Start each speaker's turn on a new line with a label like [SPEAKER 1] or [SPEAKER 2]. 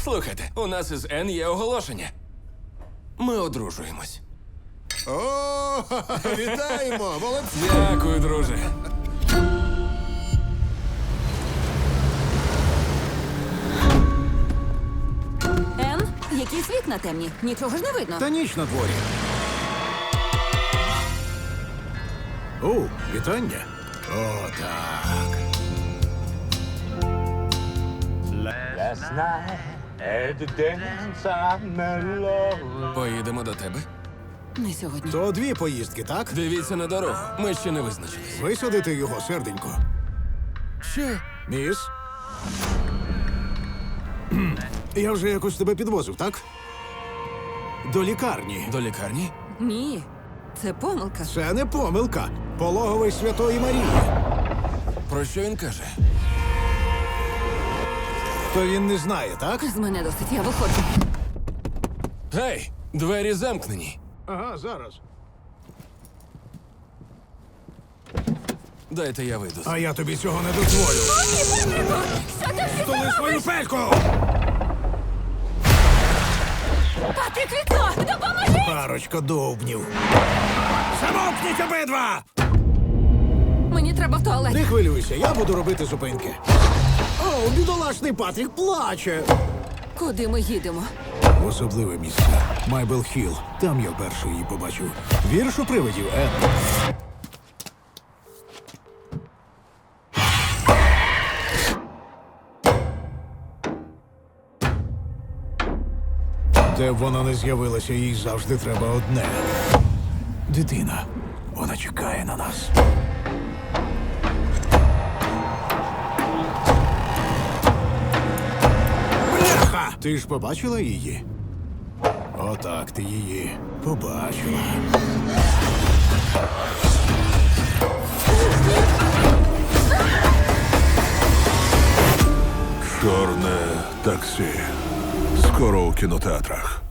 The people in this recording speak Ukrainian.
[SPEAKER 1] Слухайте, у нас із Н є оголошення. Ми одружуємось.
[SPEAKER 2] О, вітаємо! Молодці!
[SPEAKER 1] Дякую, друже.
[SPEAKER 3] Ен, якийсь вікна темні. Нічого ж не видно.
[SPEAKER 2] Та ніч на дворі. О, вітання. О, так.
[SPEAKER 4] Last night at the dance I met love.
[SPEAKER 1] Поїдемо до тебе.
[SPEAKER 3] Не сьогодні.
[SPEAKER 2] То дві поїздки, так?
[SPEAKER 1] Дивіться на дорогу. Ми ще не визначились.
[SPEAKER 2] Висадити його, серденько.
[SPEAKER 1] Що?
[SPEAKER 2] Міс? Я вже якось тебе підвозив, так? До лікарні.
[SPEAKER 1] До лікарні?
[SPEAKER 3] Ні, це помилка.
[SPEAKER 2] Це не помилка. Пологовий Святої Марії.
[SPEAKER 1] Про що він каже?
[SPEAKER 2] То він не знає, так?
[SPEAKER 3] З мене досить, я виходжу.
[SPEAKER 1] Гей, двері замкнені.
[SPEAKER 2] Ага, зараз.
[SPEAKER 1] Дайте я вийду.
[SPEAKER 2] А я тобі цього не дозволю. Столи свою пельку!
[SPEAKER 3] Патрік, вікно! Допоможи!
[SPEAKER 2] Парочка довбнів. Замовкніть обидва!
[SPEAKER 3] Мені треба в туалет.
[SPEAKER 2] Не хвилюйся, я буду робити зупинки. О, бідолашний Патрік плаче.
[SPEAKER 3] Куди ми їдемо?
[SPEAKER 2] В особливе місце. Майбел Хілл. Там я вперше її побачив. Вірш у привидів, Ен. Де б вона не з'явилася, їй завжди треба одне. Дитина. Вона чекає на нас. Бляха! Ти ж побачила її? Отак ти її побачила.
[SPEAKER 5] Чорне таксі. Скоро у кінотеатрах.